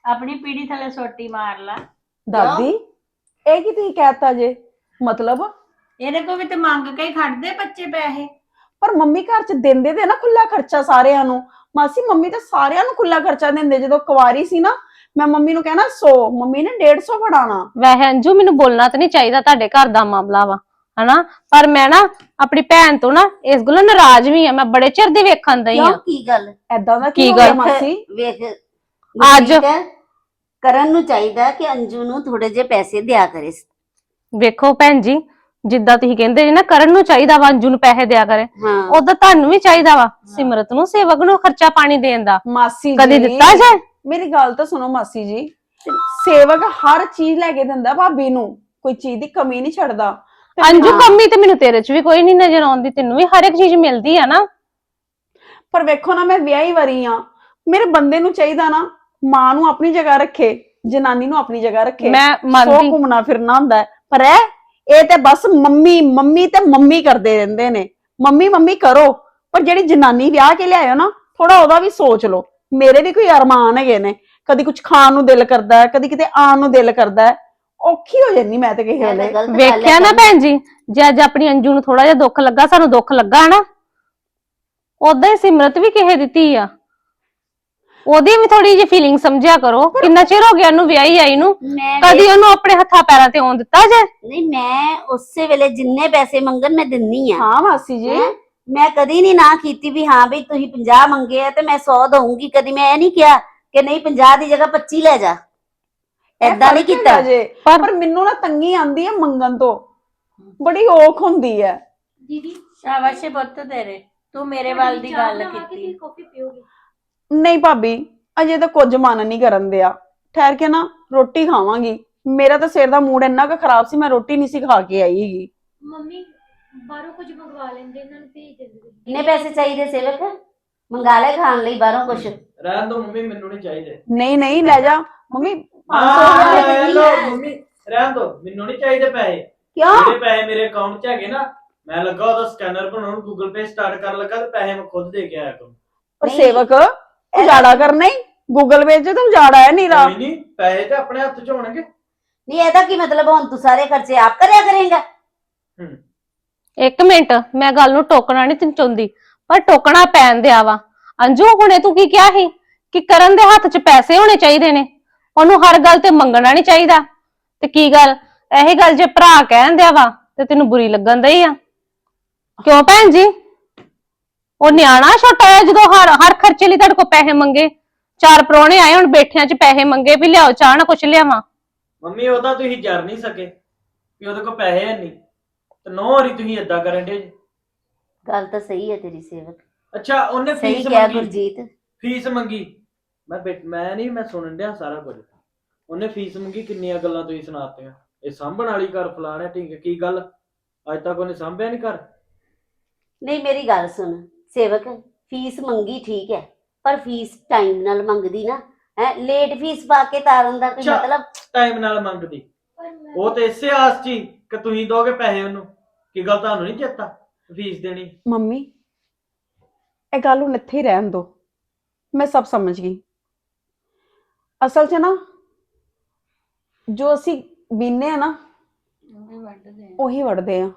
Speaker 3: ਆਪਣੀ ਪੀੜੀ ਥੱਲੇ ਸੋਟੀ ਮਾਰ ਲਾ।
Speaker 5: ਦਾਦੀ ਇਹ ਕੀ ਤੁਸੀਂ ਕਹਿਤਾ ਜੇ? ਮਤਲਬ
Speaker 3: ਇਹਦੇ ਕੋ ਵੀ ਤੇ ਮੰਗ ਕੇ ਹੀ ਖੜਦੇ ਬੱਚੇ ਪੈਸੇ।
Speaker 5: ਪਰ ਮੰਮੀ ਘਰ ਚ ਦਿੰਦੇ ਤੇ ਨਾ ਖੁੱਲਾ ਖਰਚਾ ਸਾਰਿਆਂ ਨੂੰ। ਮਾਸੀ ਮੰਮੀ ਤਾਂ ਸਾਰਿਆਂ ਨੂੰ ਖੁੱਲਾ ਖਰਚਾ ਦਿੰਦੇ। ਜਦੋਂ ਕੁਵਾਰੀ ਸੀ ਨਾ ਮੈਂ ਮੰਮੀ ਨੂੰ ਕਹਿਣਾ ਸੌ, ਮੰਮੀ ਨੇ ਡੇਢ ਸੌ ਫੜਾਣਾ।
Speaker 1: ਵੈਸੇ ਅੰਜੂ ਮੈਨੂੰ ਬੋਲਣਾ ਤਾਂ ਨਹੀਂ ਚਾਹੀਦਾ, ਤੁਹਾਡੇ ਘਰ ਦਾ ਮਾਮਲਾ ਵਾ ਹਨਾ, ਪਰ ਮੈਂ ਨਾ ਆਪਣੀ ਭੈਣ ਤੋਂ ਨਾ ਇਸ ਗੱਲੋਂ ਨਾਰਾਜ਼ ਵੀ ਆ। ਮੈਂ ਬੜੇ ਚਿਰ ਦੀ ਵੇਖਣ ਦਈ
Speaker 4: ਕਿਉਂ
Speaker 1: ਆ।
Speaker 4: ਕੀ ਗੱਲ?
Speaker 5: ਐਦਾਂ ਦਾ
Speaker 1: ਕੀ
Speaker 5: ਕੀ ਹੋ ਗਿਆ
Speaker 1: ਗੱਲ?
Speaker 5: ਮਾਸੀ?
Speaker 4: ਵੇਖ
Speaker 1: ਅੱਜ-
Speaker 4: ਗੁਰਜੀਤ, ਕਰਨ ਨੂੰ ਚਾਹੀਦਾ ਕਿ ਅੰਜੂ ਨੂੰ ਥੋੜੇ ਜਿਹੇ ਪੈਸੇ ਦਿਆ ਕਰੇ।
Speaker 1: ਵੇਖੋ ਭੈਣ ਜੀ, ਜਿੱਦਾਂ ਤੁਸੀਂ ਕਹਿੰਦੇ ਜੀ ਨਾ ਕਰਨ ਨੂੰ ਚਾਹੀਦਾ ਵਾ ਅੰਜੂ ਨੂੰ ਪੈਸੇ ਦਿਆ ਕਰੇ,
Speaker 4: ਹਾਂ
Speaker 1: ਉਦਾਂ ਤੁਹਾਨੂੰ ਵੀ ਚਾਹੀਦਾ ਵਾ ਸਿਮਰਤ ਨੂੰ, ਸੇਵਕ ਨੂੰ ਖਰਚਾ ਪਾਣੀ ਦੇਣ ਦਾ।
Speaker 5: ਮਾਸੀ
Speaker 1: ਕਦੀ
Speaker 5: ਜੀ
Speaker 1: ਦਿੱਤਾ ਜੇ?
Speaker 5: ਮੇਰੀ ਗੱਲ ਤਾਂ ਸੁਣੋ ਮਾਸੀ ਜੀ, ਸੇਵਕ ਹਰ ਚੀਜ਼ ਲੈ ਕੇ ਦਿੰਦਾ ਭਾਬੀ ਨੂੰ, ਕੋਈ ਚੀਜ਼ ਦੀ ਕਮੀ ਨਹੀਂ ਛੱਡਦਾ। ਤੇ
Speaker 1: ਅੰਜੂ
Speaker 5: ਹਾਂ,
Speaker 1: ਕੰਮੀ ਤੇ ਮੈਨੂੰ ਤੇਰੇ ਚ ਵੀ ਕੋਈ ਨਹੀਂ ਨਜ਼ਰ ਆਉਂਦੀ, ਤੈਨੂੰ ਵੀ ਹਰ ਇੱਕ ਚੀਜ਼ ਮਿਲਦੀ ਆ ਨਾ।
Speaker 5: ਪਰ ਵੇਖੋ ਨਾ ਮੈਂ ਵਿਆਹੀ ਵਰੀ ਆ, ਮੇਰੇ ਬੰਦੇ ਨੂੰ ਚਾਹੀਦਾ ਨਾ ਮਾਂ ਨੂੰ ਆਪਣੀ ਜਗ੍ਹਾ ਰੱਖੇ, ਜਨਾਨੀ ਨੂੰ ਆਪਣੀ ਜਗ੍ਹਾ ਰੱਖੇ।
Speaker 1: ਮੈਂ
Speaker 5: ਸੋ
Speaker 1: ਮੰਨਦੀ,
Speaker 5: ਘੁੰਮਣਾ ਫਿਰਨਾ ਹੁੰਦਾ ਹੈ। ਪਰ ਇਹ ਇਹ ਤੇ ਬਸ ਮੰਮੀ ਮੰਮੀ ਤੇ ਮੰਮੀ ਕਰਦੇ ਰਹਿੰਦੇ ਨੇ। ਮੰਮੀ ਮੰਮੀ ਕਰੋ, ਪਰ ਜਿਹੜੀ ਜਨਾਨੀ ਵਿਆਹ ਕੇ ਲਿਆਇਓ ਨਾ ਥੋੜਾ ਉਹਦਾ ਵੀ ਸੋਚ ਲਓ। ਮੇਰੇ ਵੀ ਕੋਈ ਅਰਮਾਨ ਹੈਗੇ ਨੇ, ਕਦੀ ਕੁਝ ਖਾਣ ਨੂੰ ਦਿਲ ਕਰਦਾ ਹੈ, ਕਦੀ ਕਿਤੇ ਆਉਣ ਨੂੰ ਦਿਲ ਕਰਦਾ ਹੈ। ਔਖੀ ਹੋ ਜਾਂਦੀ ਮੈਂ ਤੇ ਕਿਸੇ
Speaker 4: ਇਹ ਤਾਂ
Speaker 5: ਵੇਲੇ।
Speaker 4: ਗਲਤ ਗੱਲ
Speaker 1: ਵੇਖਿਆ
Speaker 4: ਹੈ
Speaker 1: ਨਾ ਭੈਣ ਜੀ, ਜੇ ਅੱਜ ਆਪਣੀ ਅੰਜੂ ਨੂੰ ਥੋੜਾ ਜਿਹਾ ਦੁੱਖ ਲੱਗਾ, ਸਾਨੂੰ ਦੁੱਖ ਲੱਗਾ ਨਾ, ਉਦਾਂ ਹੀ ਸਿਮਰਤ ਵੀ ਕਿਸੇ ਦਿੱਤੀ ਆ, ਉਹਦੀ ਵੀ ਥੋੜੀ ਜਿਹੀ ਫੀਲਿੰਗ ਸਮਝਿਆ ਕਰੋ। ਕਿੰਨਾ ਚਿਰ ਹੋ ਗਿਆ ਉਹਨੂੰ ਵਿਆਹੀ ਆਈ ਨੂੰ,
Speaker 4: ਮੈਂ
Speaker 1: ਕਦੀ ਉਹਨੂੰ ਆਪਣੇ ਹੱਥਾਂ ਪੈਰਾਂ ਤੇ ਆਉਣ ਦਿੱਤਾ ਜੇ?
Speaker 4: ਨਹੀਂ, ਮੈਂ ਉਸੇ ਵੇਲੇ ਜਿੰਨੇ ਪੈਸੇ ਮੰਗਣ ਮੈਂ ਦਿੰਨੀ ਆ।
Speaker 5: ਹਾਂ ਮਾਸੀ ਜੀ,
Speaker 4: ਹੈਂ? ਮੈਂ ਕਦੀ ਨਹੀਂ ਨਾ ਕੀਤੀ ਵੀ ਹਾਂ ਵੀ ਤੁਸੀਂ ਪੰਜਾਹ ਮੰਗੇ ਆ ਤੇ ਮੈਂ ਸੌ ਦਊਂਗੀ। ਕਦੀ ਮੈਂ ਇਹ ਨਹੀਂ ਕਿਹਾ ਕਿ ਨਹੀਂ ਪੰਜਾਹ ਦੀ ਜਗ੍ਹਾ ਪੱਚੀ ਲੈ ਜਾ,
Speaker 5: ਇਹ
Speaker 4: ਏਦਾਂ ਨਹੀਂ
Speaker 5: ਫਰਕ
Speaker 4: ਕੀਤਾ।
Speaker 5: ਹੈਗਾ ਜੇ।
Speaker 1: ਪਰ
Speaker 5: ਪਰ ਮੈਨੂੰ ਨਾ ਤੰਗੀ ਆਂਦੀ ਹੈ ਮੰਗਣ ਤੋਂ, ਬੜੀ ਔਖ ਹੁੰਦੀ ਹੈ।
Speaker 1: ਦੀਦੀ
Speaker 3: ਸ਼ਾਬਾਸ਼ ਏ ਪੁੱਤ ਤੇਰੇ, ਤੂੰ ਮੇਰੇ ਵੱਲ ਦੀ ਗੱਲ ਕੀਤੀ।
Speaker 1: ਕਾਫੀ ਪੀਓਗੇ?
Speaker 5: ਨਹੀਂ ਭਾਬੀ, ਅਜੇ ਤਾਂ ਕੁਝ ਮਨ ਨਹੀਂ ਕਰਨ ਦਿਆ। ਠਹਿਰ ਕੇ ਨਾ ਰੋਟੀ ਖਾਵਾਂਗੀ। ਮੇਰਾ ਤਾਂ ਸਿਰ ਦਾ ਮੂਡ ਇੰਨਾ ਕੁ ਖਰਾਬ ਸੀ, ਮੈਂ ਰੋਟੀ ਨਹੀਂ ਸੀ ਖਾ ਕੇ ਆਈ ਹੈਗੀ।
Speaker 1: ਮੰਮੀ ਬਾਹਰੋਂ ਕੁਝ ਮੰਗਵਾ ਲੈਂਦੇ, ਇਹਨਾਂ ਨੂੰ ਭੇਜ ਦਿੰਦੇ।
Speaker 4: ਕਿੰਨੇ ਪੈਸੇ ਚਾਹੀਦੇ ਸੇਵਕ? ਮੰਗਾ ਲੈ ਖਾਣ ਲਈ ਬਾਹਰੋਂ ਕੁਛ।
Speaker 2: ਰਹਿਣ ਦੋ ਮੰਮੀ, ਮੈਨੂੰ ਨਹੀਂ ਚਾਹੀਦੇ।
Speaker 5: ਨਹੀਂ ਨਹੀਂ ਲੈ ਜਾ ਮੰਮੀ, ਪੰਜ ਸੌ
Speaker 2: ਹਾਂ,
Speaker 5: ਰੁਪਏ
Speaker 4: ਰੁਪਏ
Speaker 2: ਲੈ
Speaker 4: ਦੀ
Speaker 2: ਲਓ
Speaker 4: ਹੈ।
Speaker 2: ਮੰਮੀ, ਰਹਿਣ ਦੋ, ਮੈਨੂੰ ਨਹੀਂ ਚਾਹੀਦੇ ਪੈਸੇ।
Speaker 4: ਕਿਉਂ?
Speaker 2: ਜਿਹੜੇ ਪੈਸੇ ਮੇਰੇ ਅਕਾਊਂਟ 'ਚ ਹੈਗੇ ਨਾ, ਮੈਂ ਲੱਗਾ ਉਹਦਾ ਸਕੈਨਰ ਬਣਾਉਣ, ਗੂਗਲ ਪੇ ਸਟਾਰਟ ਕਰਨ ਲੱਗਾ, ਤੇ ਪੈਸੇ ਮੈਂ ਖੁਦ ਦੇ ਕੇ ਆਇਆ ਕਰੂੰ।
Speaker 5: ਪਰ
Speaker 4: ਨਹੀਂ।
Speaker 5: ਸੇਵਕ ਉਜਾੜਾ ਕਰਨਾ ਹੀ ਗੂਗਲ ਪੇ 'ਚ ਤਾਂ ਉਜਾੜਾ ਹੈ ਨੀਰਾ।
Speaker 2: ਕੋਈ ਨਹੀਂ, ਪੈਸੇ ਤੇ ਆਪਣੇ ਹੱਥ 'ਚ ਹੋਣਗੇ।
Speaker 4: ਨਹੀਂ, ਇਹਦਾ ਕੀ ਮਤਲਬ? ਹੁਣ ਤੂੰ ਸਾਰੇ ਖਰਚੇ ਆਪ ਕਰਿਆ ਕਰੇਂਗਾ?
Speaker 2: ਹੂੰ,
Speaker 1: ਇੱਕ ਮਿੰਟ, ਮੈਂ ਗੱਲ ਨੂੰ ਟੋਕਣਾ ਨਹੀਂ ਤੈਨੂੰ ਚਾਹੁੰਦੀ, ਪਰ ਟੋਕਣਾ ਪੈਣ ਦਿਆ ਵਾ। ਅੰਜੂ ਹੁਣੇ ਤੂੰ ਕੀ ਕਿਹਾ ਸੀ ਕਿ ਕਰਨ ਦੇ ਹੱਥ 'ਚ ਪੈਸੇ ਹੋਣੇ ਚਾਹੀਦੇ ਨੇ, ਉਹਨੂੰ ਹਰ ਗੱਲ ਤੇ ਮੰਗਣਾ ਨਹੀਂ ਚਾਹੀਦਾ। ਤੇ ਕੀ ਗੱਲ, ਇਹੀ ਗੱਲ ਜੇ ਭਰਾ ਕਹਿਣ ਦਿਆ ਵਾ ਤੇ ਤੈਨੂੰ ਬੁਰੀ ਲੱਗਣ ਦਈ ਆ? ਕਿਉਂ ਭੈਣ ਜੀ? ਉਹ ਨਿਆਣਾ ਛੋਟਾ ਹੈ, ਜਦੋਂ ਹਰ ਹਰ ਖਰਚੇ ਲਈ ਤੁਹਾਡੇ ਕੋਲ ਪੈਸੇ ਮੰਗੇ। ਚਾਰ ਪ੍ਰਾਹੁਣੇ ਆਏ, ਹੁਣ ਬੈਠਿਆਂ 'ਚ ਪੈਸੇ ਮੰਗੇ ਵੀ ਲਿਆਓ ਚਾਹ ਨਾ ਕੁਛ ਲਿਆਵਾਂ।
Speaker 2: ਮੰਮੀ ਉਹਦਾ ਤੁਸੀਂ ਜਰ ਨਹੀਂ ਸਕੇ ਵੀ ਉਹਦੇ ਕੋਲ ਪੈਸੇ ਹੈ ਨਹੀਂ, ਤੇ ਨੌ ਵਾਰੀ ਤੁਸੀਂ ਏਦਾਂ ਕਰਨ ਦੇ।
Speaker 4: ਗੱਲ ਤਾਂ ਸਹੀ ਹੈ ਤੇਰੀ ਸੇਵਕ,
Speaker 2: ਅੱਛਾ, ਉਹਨੇ
Speaker 4: ਸਹੀ
Speaker 2: ਫੀਸ
Speaker 4: ਕਿਹਾ
Speaker 2: ਮੰਗੀ,
Speaker 4: ਗੁਰਜੀਤ।
Speaker 2: ਫੀਸ ਮੰਗੀ। ਮੈਂ ਬੈਠ ਮੈਂ ਨਹੀਂ ਮੈਂ ਸੁਣਨ ਡਿਆ ਸਾਰਾ ਕੁਝ। ਉਹਨੇ ਫੀਸ ਮੰਗੀ, ਕਿੰਨੀਆਂ ਗੱਲਾਂ ਤੁਸੀਂ ਸੁਣਾਤੀਆਂ। ਇਹ ਸਾਂਭਣ ਵਾਲੀ ਘਰ ਫਲਾਣਾ ਠੀਕ ਹੈ, ਕੀ ਗੱਲ ਅੱਜ ਤੱਕ ਉਹਨੇ ਸਾਂਭਿਆ ਨਹੀਂ ਘਰ?
Speaker 4: ਨਹੀਂ, ਮੇਰੀ ਗੱਲ ਸੁਣ ਸੇਵਕ, ਫੀਸ ਮੰਗੀ ਠੀਕ ਹੈ, ਪਰ ਫੀਸ ਟਾਈਮ ਨਾਲ ਮੰਗਦੀ ਨਾ। ਹੈ ਲੇਟ ਫੀਸ ਪਾ ਕੇ ਤਾਰਨ ਦਾ ਕੋਈ
Speaker 2: ਅੱਛਾ।
Speaker 4: ਮਤਲਬ?
Speaker 2: ਟਾਈਮ ਨਾਲ ਮੰਗਦੀ, ਉਹ ਤੇ ਇਸੇ ਆਸ 'ਚ ਹੀ ਕਿ ਤੁਸੀਂ ਦੋਗੇ ਪੈਸੇ ਉਹਨੂੰ। ਕੀ ਗੱਲ ਤੁਹਾਨੂੰ ਨਹੀਂ ਚੇਤਾ ਫੀਸ ਦੇਣੀ?
Speaker 5: ਮੰਮੀ ਇਹ ਗੱਲ ਹੁਣ ਇੱਥੇ ਹੀ ਰਹਿਣ ਦੋ, ਮੈਂ ਸਭ ਸਮਝ ਗਈ। ਅਸਲ 'ਚ ਨਾ ਜੋ ਅਸੀਂ ਬੀਨੇ ਆ ਨਾ ਉਹੀ ਵੜਦੇ ਆ।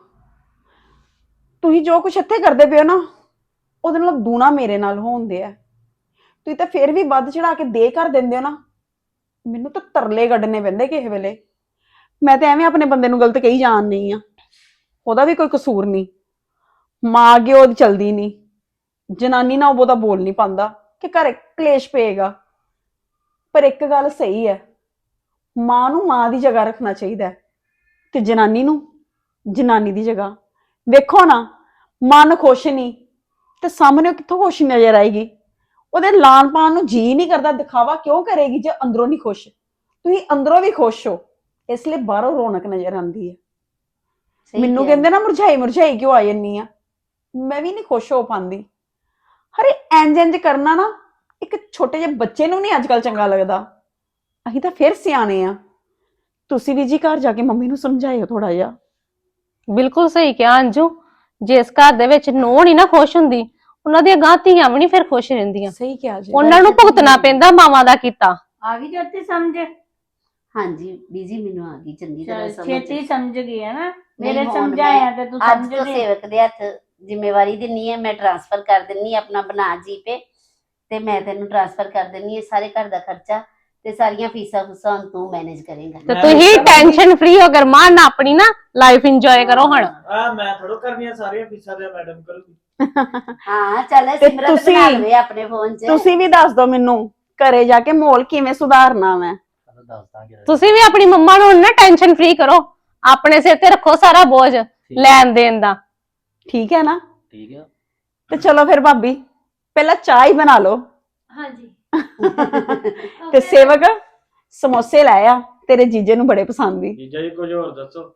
Speaker 5: ਤੁਸੀਂ ਜੋ ਕੁਛ ਇੱਥੇ ਕਰਦੇ ਪਿਓ ਨਾ, ਉਹਦੇ ਨਾਲ ਦੂਣਾ ਮੇਰੇ ਨਾਲ ਹੋਣਦੇ ਆ। ਤੁਸੀਂ ਤਾਂ ਫੇਰ ਵੀ ਵੱਧ ਚੜਾ ਕੇ ਦੇ ਕਰ ਦਿੰਦੇ ਹੋ ਨਾ, ਮੈਨੂੰ ਤਾਂ ਤਰਲੇ ਕੱਢਣੇ ਪੈਂਦੇ ਕਿਸੇ ਵੇਲੇ। ਮੈਂ ਤਾਂ ਐਵੇਂ ਆਪਣੇ ਬੰਦੇ ਨੂੰ ਗਲਤ ਕਹੀ ਜਾਣ ਨਹੀਂ ਆ, ਉਹਦਾ ਵੀ ਕੋਈ ਕਸੂਰ ਨਹੀਂ। ਮਾਂ ਅੱਗੇ ਉਹਦੀ ਚਲਦੀ ਨਹੀਂ, ਜਨਾਨੀ ਨਾਲ ਉਹ ਬਹੁਤਾ ਬੋਲ ਨਹੀਂ ਪਾਉਂਦਾ ਕਿ ਘਰ ਕਲੇਸ਼ ਪਏਗਾ। ਪਰ ਇੱਕ ਗੱਲ ਸਹੀ ਹੈ, ਮਾਂ ਨੂੰ ਮਾਂ ਦੀ ਜਗ੍ਹਾ ਰੱਖਣਾ ਚਾਹੀਦਾ ਹੈ, ਤੇ ਜਨਾਨੀ ਨੂੰ ਜਨਾਨੀ ਦੀ ਜਗ੍ਹਾ। ਵੇਖੋ ਨਾ, ਮਨ ਖੁਸ਼ ਨਹੀਂ ਤੇ ਸਾਹਮਣੇ ਕਿੱਥੋਂ ਖੁਸ਼ ਨਜ਼ਰ ਆਏਗੀ? ਉਹਦੇ ਲਾਣ ਪਾਣ ਨੂੰ ਜੀ ਨਹੀਂ ਕਰਦਾ, ਦਿਖਾਵਾ ਕਿਉਂ ਕਰੇਗੀ ਜੇ ਅੰਦਰੋਂ ਨਹੀਂ ਖੁਸ਼? ਤੁਸੀਂ ਅੰਦਰੋਂ ਵੀ ਖੁਸ਼ ਹੋ, ਇਸ ਲਈ ਬਾਹਰੋਂ ਰੌਣਕ ਨਜ਼ਰ ਆਉਂਦੀ ਹੈ।
Speaker 4: ਸਹੀ
Speaker 5: ਮੈਨੂੰ
Speaker 4: ਕਿਹਾ।
Speaker 5: ਕਹਿੰਦੇ ਨਾ ਮੁਰਝਾਈ ਮੁਰਝਾਈ ਕਿਉਂ ਆ ਜੰਨੀ ਆ, ਮੈਂ ਵੀ ਨਹੀਂ ਖੁਸ਼ ਹੋ ਪਾਉਂਦੀ। ਹਰੇ ਇੰਜ ਇੰਜ ਕਰਨਾ ਨਾ ਇੱਕ ਛੋਟੇ ਜਿਹੇ ਬੱਚੇ ਨੂੰ ਨਹੀਂ ਅੱਜ ਕੱਲ ਚੰਗਾ ਲੱਗਦਾ। ਅਸੀਂ ਤਾਂ ਫਿਰ ਸਿਆਣੇ ਆ। ਤੁਸੀਂ ਵੀ ਜੀ ਘਰ ਜਾ ਕੇ ਮੰਮੀ ਨੂੰ ਸਮਝਾਇਓ ਥੋੜਾ ਜਿਹਾ।
Speaker 1: ਬਿਲਕੁਲ ਸਹੀ ਕਿਹਾ ਅੰਜੂ, ਜਿਸ ਘਰ ਦੇ ਵਿੱਚ ਨੂੰਹ ਨਹੀਂ ਨਾ ਖੁਸ਼ ਹੁੰਦੀ, ਉਹਨਾਂ ਦੀਆਂ ਗਾਂ ਧੀਆਂ ਵੀ ਨਹੀਂ ਫਿਰ ਖੁਸ਼ ਰਹਿੰਦੀਆਂ।
Speaker 5: ਸਹੀ ਕਿਹਾ ਜੀ।
Speaker 1: ਉਹਨਾਂ ਨੂੰ ਭੁਗਤਣਾ ਪੈਂਦਾ ਮਾਵਾਂ ਦਾ ਕੀਤਾ।
Speaker 3: ਆ ਗਈ ਜੋਤੀ ਸਮਝ?
Speaker 4: ਹਾਂਜੀ ਬੀਜੀ ਮੈਨੂੰ ਆ ਗਈ ਚੰਗੀ ਤਰ੍ਹਾਂ
Speaker 3: ਚੱਲ,
Speaker 4: ਸਮਝ।
Speaker 3: ਛੇਤੀ ਸਮਝ ਗਈ ਹੈ ਨਾ,
Speaker 4: ਨਹੀਂ,
Speaker 3: ਮੇਰੇ
Speaker 4: ਹੁਣ
Speaker 3: ਸਮਝਾਇਆ
Speaker 4: ਮੈਂ
Speaker 3: ਤੇ ਤੂੰ
Speaker 4: ਅੱਜ
Speaker 3: ਸਮਝ
Speaker 4: ਤੋਂ
Speaker 3: ਗਈ।
Speaker 4: ਸੇਵਕ ਦੇ ਹੱਥ ਜ਼ਿੰਮੇਵਾਰੀ ਦਿੰਨੀ ਹੈ, ਮੈਂ ਟ੍ਰਾਂਸਫਰ ਕਰ ਦਿੰਨੀ ਆਪਣਾ ਬਣਾ ਜੀਪੇ ਤੇ ਮੈਂ ਤੈਨੂੰ ਟ੍ਰਾਂਸਫਰ ਕਰ ਦਿੰਨੀ ਹੈ ਸਾਰੇ ਘਰ ਦਾ ਖਰਚਾ ਤੇ ਸਾਰੀਆਂ ਫੀਸਾਂ ਫੂਸਾਂ ਹੁਣ ਤੂੰ ਮੈਨੇਜ ਕਰੇਂਗਾ।
Speaker 1: ਤੇ
Speaker 2: ਮੈਂ
Speaker 1: ਤੁਸੀਂ
Speaker 2: ਵੀ-
Speaker 1: ਟੈਨਸ਼ਨ ਫ੍ਰੀ ਹੋ ਕਰ ਮਾਨ ਆਪਣੀ ਨਾ ਲਾਈਫ ਇੰਜੋਏ ਕਰੋ ਹੁਣ।
Speaker 2: ਆ ਮੈਂ ਥੋੜੋ ਕਰਨੀਆਂ ਸਾਰੀਆਂ ਫੀਸਾਂ ਤੇ ਮੈਡਮ ਕਰੂਗੀ।
Speaker 4: ਹਾਂ ਚੱਲ
Speaker 5: ਤੇ
Speaker 4: ਸਿਮਰਤ
Speaker 5: ਤੁਸੀਂ-
Speaker 4: ਬਣਾ ਲਵੇ ਆਪਣੇ ਫੋਨ 'ਚ।
Speaker 5: ਤੁਸੀਂ ਵੀ ਦੱਸ ਦਿਓ ਮੈਨੂੰ ਘਰੇ ਜਾ ਕੇ ਮਾਹੌਲ ਕਿਵੇਂ ਸੁਧਾਰਨਾ ਮੈਂ।
Speaker 6: ਚਲੋ ਦੱਸ ਦਾਂਗੇ।
Speaker 1: ਤੁਸੀਂ ਵੀ ਆਪਣੀ ਮੰਮਾ ਨੂੰ ਹੁਣ ਨਾ ਟੈਨਸ਼ਨ ਫ੍ਰੀ ਕਰੋ, ਆਪਣੇ ਸਿਰ ਤੇ ਰੱਖੋ ਸਾਰਾ ਬੋਝ
Speaker 6: ਠੀਕ-
Speaker 1: ਲੈਣ ਦੇਣ ਦਾ।
Speaker 5: ਠੀਕ ਹੈ ਨਾ?
Speaker 6: ਠੀਕ ਆ।
Speaker 5: ਤੇ ਚਲੋ ਫਿਰ ਭਾਬੀ ਪਹਿਲਾਂ ਚਾਹ ਹੀ ਬਣਾ ਲਓ
Speaker 1: ਹਾਂਜੀ
Speaker 5: ਤੇ ਸੇਵਕ ਸਮੋਸੇ ਲੈ ਆ, ਤੇਰੇ ਜੀਜੇ ਨੂੰ ਬੜੇ ਪਸੰਦ ਸੀ।
Speaker 2: ਜੀਜਾ ਜੀ ਕੁਝ ਹੋਰ ਦੱਸੋ।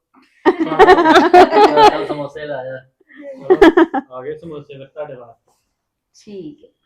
Speaker 6: ਚੱਲ ਸਮੋਸੇ ਲਾਇਆ।
Speaker 2: ਆ ਗਏ ਸਮੋਸੇ ਫਿਰ ਤੁਹਾਡੇ ਵਾਸਤੇ।
Speaker 4: ਠੀਕ ਹੈ।